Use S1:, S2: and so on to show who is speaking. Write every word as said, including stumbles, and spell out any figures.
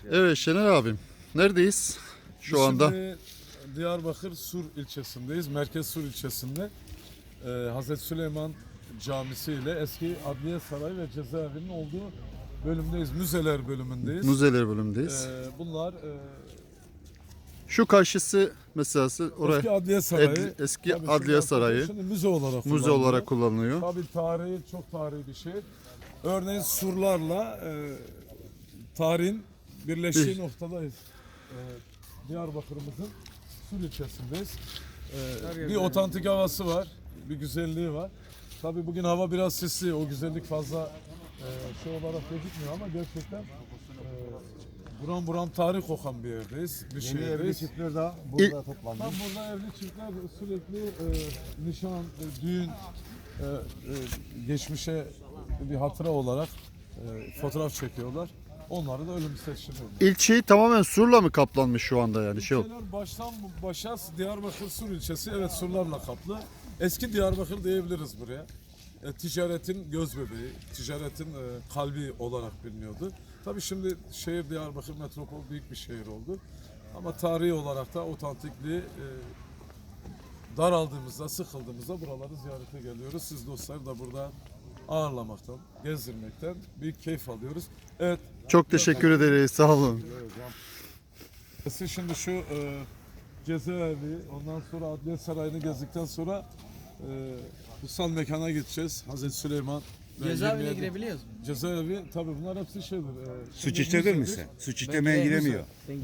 S1: Evet Şener abim. Neredeyiz şu
S2: Biz
S1: anda?
S2: Şimdi Diyarbakır Sur ilçesindeyiz. Merkez Sur ilçesinde e, Hazreti Süleyman Camisi ile eski Adliye Sarayı ve Cezaevinin olduğu bölümdeyiz. Müzeler bölümündeyiz.
S1: Müzeler bölümündeyiz.
S2: E, bunlar e,
S1: Şu karşısı mesela oraya
S2: eski Adliye Sarayı.
S1: Ed- eski
S2: Tabii şimdi
S1: Adliye
S2: artık
S1: Sarayı.
S2: Şimdi müze olarak
S1: müze
S2: kullanılıyor.
S1: olarak kullanılıyor.
S2: Tabii tarihi, çok tarihi bir şey. Örneğin surlarla e, tarihin birleştiği
S1: Bir-
S2: noktadayız. E, Diyarbakır'ımızın Sur ilçesindeyiz. E, bir otantik havası var, bir güzelliği var. Tabii bugün hava biraz sisli, o güzellik fazla e, şey olarak gözükmüyor ama gerçekten e, buram buram tarih kokan bir yerdeyiz, bir
S3: Yeni evli
S2: şehirdeyiz.
S3: çiftler de burada
S1: İlk-
S3: toplandı.
S2: Tam burada evli çiftler sürekli e, nişan, e, düğün, e, e, geçmişe bir hatıra olarak e, fotoğraf çekiyorlar. Onları da ölüm seçiliyor.
S1: İlçeyi tamamen surla mı kaplanmış şu anda yani şey?
S2: İlçeler baştan başa Diyarbakır Sur ilçesi, evet, surlarla kaplı. Eski Diyarbakır diyebiliriz buraya. E, ticaretin göz bebeği, ticaretin e, kalbi olarak biliniyordu. Tabii şimdi şehir Diyarbakır metropol büyük bir şehir oldu. Ama tarihi olarak da otantikliği e, daraldığımızda, sıkıldığımızda buraları ziyarete geliyoruz. Siz dostlar da burada ağırlamaktan, gezdirmekten büyük keyif alıyoruz. Evet.
S1: Çok teşekkür ederiz. Sağ olun.
S2: Siz şimdi şu e, cezaevi, ondan sonra Adliye Sarayı'nı gezdikten sonra e, kutsal mekana gideceğiz. Hazreti Süleyman. ve
S4: Cezaevine
S2: yirmi yedi
S4: girebiliyoruz mu?
S2: Cezaevi, tabii bunlar hepsi şeydir. E,
S3: Suç
S2: şimdi
S3: işledin mi
S2: müzedir.
S3: sen? Suç işlemeye giremiyor.